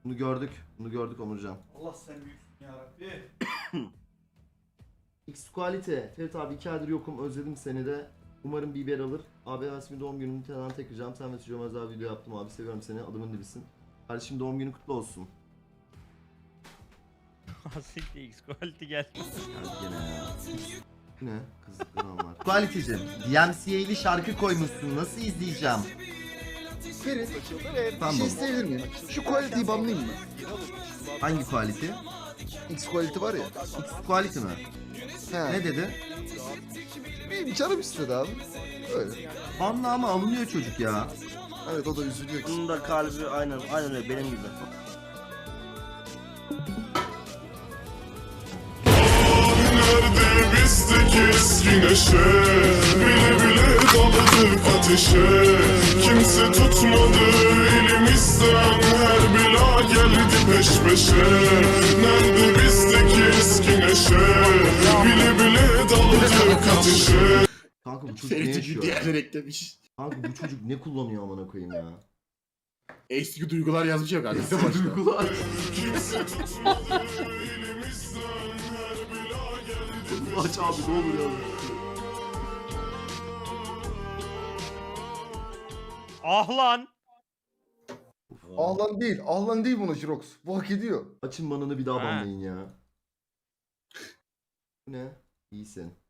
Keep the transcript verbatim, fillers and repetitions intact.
Bunu gördük. Bunu gördük Onurcan. Allah sen büyüksün yarabbi. X Quality. Ferit abi iki aydır yokum. Özledim seni de. Umarım biber alır. Abi Erasmi doğum gününü falan takacağım. Sen ve çocuğuma özel video yaptım abi. Seviyorum seni. Adımın dibisin. Kardeşim doğum günü kutlu olsun. Asikti X quality geldi. Ya gene ya. Ne? Kızlıkları anlar. Quality'cim. D M C A'li şarkı koymuşsun. Nasıl izleyeceğim? Ferit, bir Tamam. şey isteyebilir miyim? Şu quality'yi banlayayım mı? Hangi quality? X quality var ya. X Quality mi? He. Ne dedi? Benim canım istedi abi. Öyle. Anla ama alınıyor çocuk ya. Evet o da üzülüyor ki. Bunun da kalbi aynen aynen öyle benim gibi. Nerede bizdeki eski neşe, bile bile daladık ateşe. Kimse tutmadı elimizden, her bela geldi peş peşe. Nerede bizdeki eski neşe, bile bile daladık ateşe. Kanka bu çocuk ne Ferit'i yaşıyor? diğerler eklemiş. Kanka bu çocuk ne kullanıyor amına koyayım ya? Eski duygular yazmış ya kanka. Başta. Duygular. Kimse tutmadı elimizden, her bela geldi. Aç abi ne olur ya. Ah lan. Ahlan değil. Ahlan değil buna Jirox. Bu hak ediyor. Açın manını bir daha Ha. banlayın ya. Bu ne? İyisin.